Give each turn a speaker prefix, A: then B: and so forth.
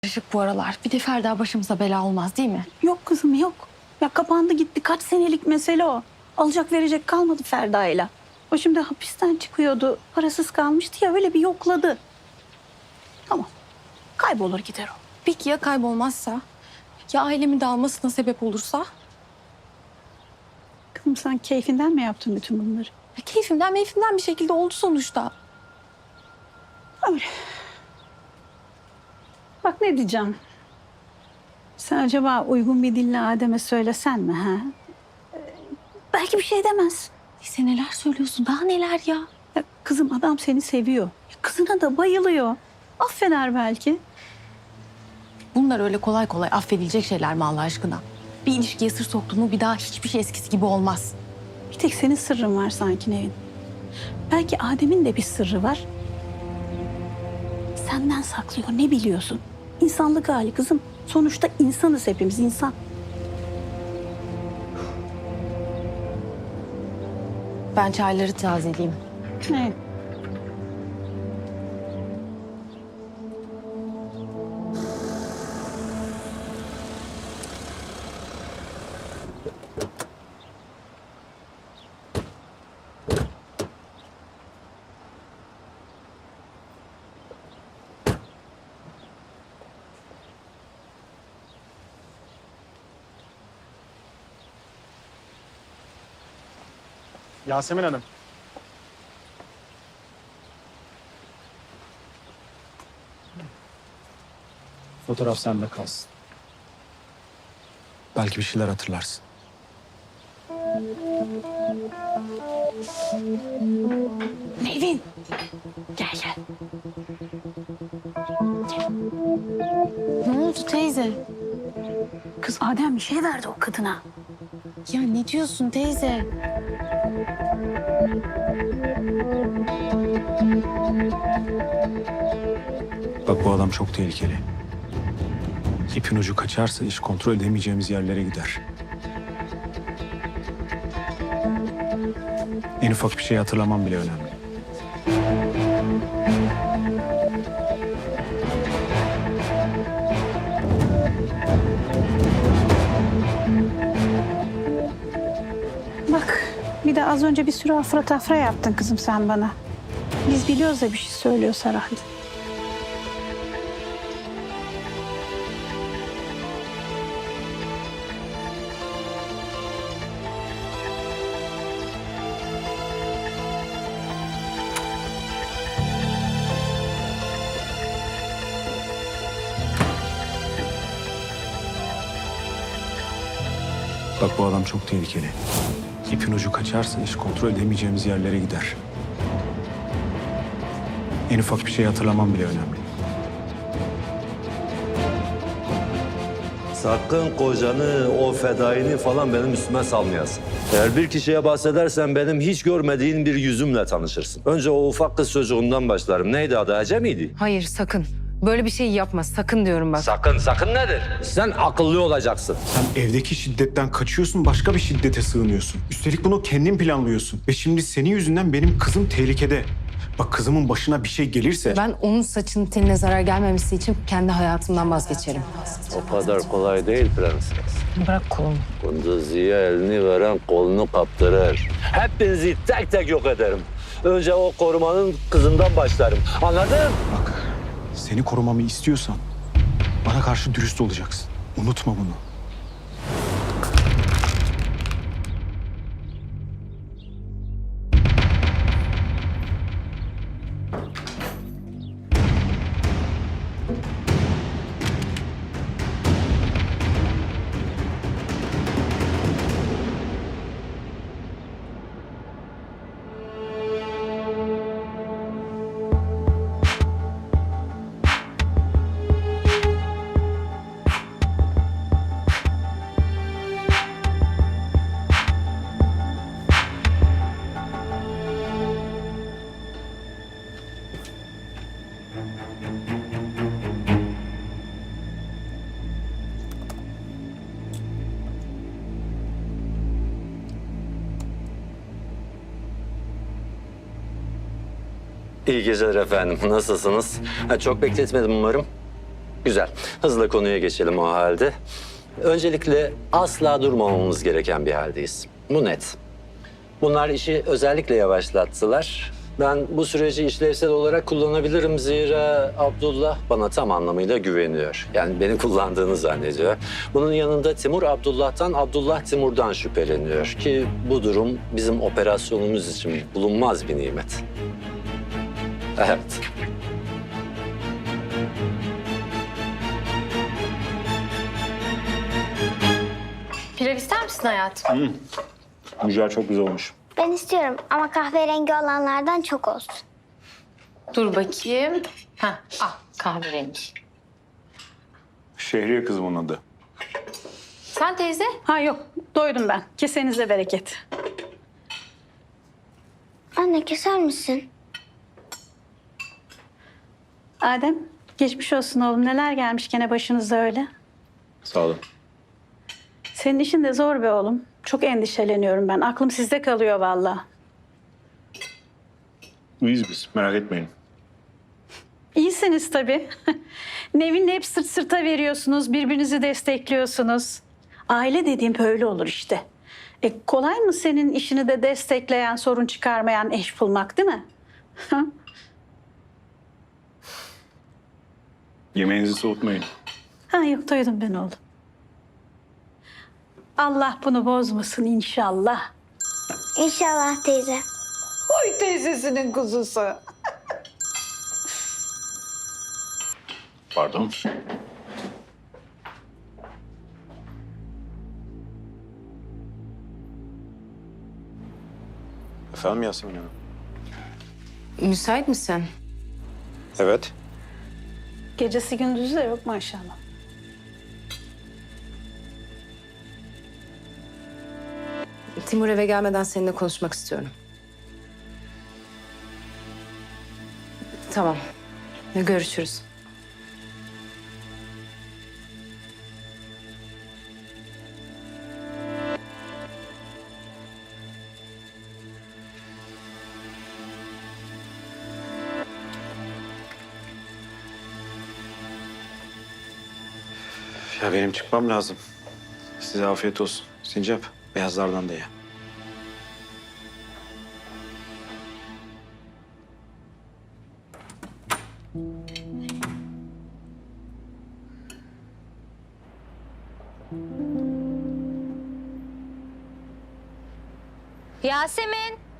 A: Karışık bu aralar. Bir de Ferda başımıza bela olmaz değil mi?
B: Yok kızım yok. Ya kapandı gitti. Kaç senelik mesele o. Alacak verecek kalmadı Ferda'yla. O şimdi hapisten çıkıyordu. Parasız kalmıştı ya öyle bir yokladı. Tamam. Kaybolur gider o.
A: Peki ya kaybolmazsa? Ya ailemin dağılmasına sebep olursa?
B: Kızım sen keyfinden mi yaptın bütün bunları?
A: Ya keyfimden meyfimden bir şekilde oldu sonuçta.
B: Öyle. Bak ne diyeceğim. Sen acaba uygun bir dille Adem'e söylesen mi ha? Belki bir şey demez.
A: Neyse neler söylüyorsun daha neler ya?
B: Ya kızım adam seni seviyor. Ya kızına da bayılıyor. Affeder belki.
A: Bunlar öyle kolay kolay affedilecek şeyler mi Allah aşkına? Bir ilişkiye sır soktun mu bir daha hiçbir şey eskisi gibi olmaz.
B: Bir tek senin sırrın var sanki Nevin. Belki Adem'in de bir sırrı var. Senden saklıyor, ne biliyorsun? İnsanlık hali kızım. Sonuçta insanız hepimiz, insan.
A: Ben çayları tazeleyeyim.
B: Ne?
C: Yasemin Hanım. Fotoğraf sende kalsın. Belki bir şeyler hatırlarsın.
B: Nevin. Gel gel.
A: Ne oldu teyze?
B: Kız Adem bir şey verdi o kadına.
A: Ya ne diyorsun teyze?
C: Bak bu adam çok tehlikeli. İpin ucu kaçarsa iş kontrol edemeyeceğimiz yerlere gider. En ufak bir şey hatırlamam bile önemli.
B: Bak bir de az önce bir sürü afra tafra yaptın kızım sen bana. Biz biliyoruz da bir şey söylüyor herhalde.
C: Bak bu adam çok tehlikeli. İpin ucu kaçarsa iş kontrol edemeyeceğimiz yerlere gider. En ufak bir şey hatırlamam bile önemli.
D: Sakın kocanı, o fedaini falan benim üstüme salmayasın. Eğer bir kişiye bahsedersen benim hiç görmediğin bir yüzümle tanışırsın. Önce o ufak kız çocuğundan başlarım. Neydi adı, Ece miydi?
E: Hayır sakın. Böyle bir şey yapma. Sakın diyorum bak.
D: Sakın, sakın nedir? Sen akıllı olacaksın.
C: Sen evdeki şiddetten kaçıyorsun, başka bir şiddete sığınıyorsun. Üstelik bunu kendin planlıyorsun. Ve şimdi senin yüzünden benim kızım tehlikede. Bak kızımın başına bir şey gelirse...
E: Ben onun saçının teline zarar gelmemesi için kendi hayatımdan vazgeçerim.
D: O kadar kolay değil prenses.
E: Bırak kolumu.
D: Kunduzi'ye elini veren kolunu kaptırır. Hepinizi tek tek yok ederim. Önce o korumanın kızından başlarım. Anladın?
C: Bak, seni korumamı istiyorsan bana karşı dürüst olacaksın. Unutma bunu.
D: İyi geceler efendim. Nasılsınız? Çok bekletmedim umarım. Güzel. Hızla konuya geçelim o halde. Öncelikle asla durmamamız gereken bir haldeyiz. Bu net. Bunlar işi özellikle yavaşlattılar. Ben bu süreci işlevsel olarak kullanabilirim zira Abdullah bana tam anlamıyla güveniyor. Yani beni kullandığını zannediyor. Bunun yanında Timur Abdullah'tan, Abdullah Timur'dan şüpheleniyor ki bu durum bizim operasyonumuz için bulunmaz bir nimet. Evet.
A: Pilav ister misin hayatım?
C: Mücver çok güzel olmuş.
F: Ben istiyorum ama kahverengi olanlardan çok olsun.
A: Dur bakayım. Kahverengi.
C: Şehriye kızımın adı.
A: Sen teyze?
B: Ha yok, doydum ben. Kesenize bereket.
F: Anne keser misin?
B: Adem, geçmiş olsun oğlum. Neler gelmiş gene başınıza öyle.
C: Sağ olun.
B: Senin işin de zor be oğlum. Çok endişeleniyorum ben. Aklım sizde kalıyor vallahi.
C: İyiyiz biz, merak etmeyin.
B: İyisiniz tabii. Nevin'le hep sırt sırta veriyorsunuz, birbirinizi destekliyorsunuz. Aile dediğim böyle olur işte. Kolay mı senin işini de destekleyen, sorun çıkarmayan eş bulmak, değil mi?
C: Yemeğinizi soğutmayın.
B: Ha yok, doydum ben oğlum. Allah bunu bozmasın inşallah.
F: İnşallah teyze.
B: Oy teyzesinin kuzusu.
C: Pardon. Efendim Yasemin Hanım?
E: Müsait misin?
C: Evet.
B: Gecesi gündüzü de yok maşallah.
E: Timur eve gelmeden seninle konuşmak istiyorum. Tamam. Görüşürüz.
C: Ya benim çıkmam lazım. Size afiyet olsun. Sincap, beyazlardan da ye.
F: Yasemin.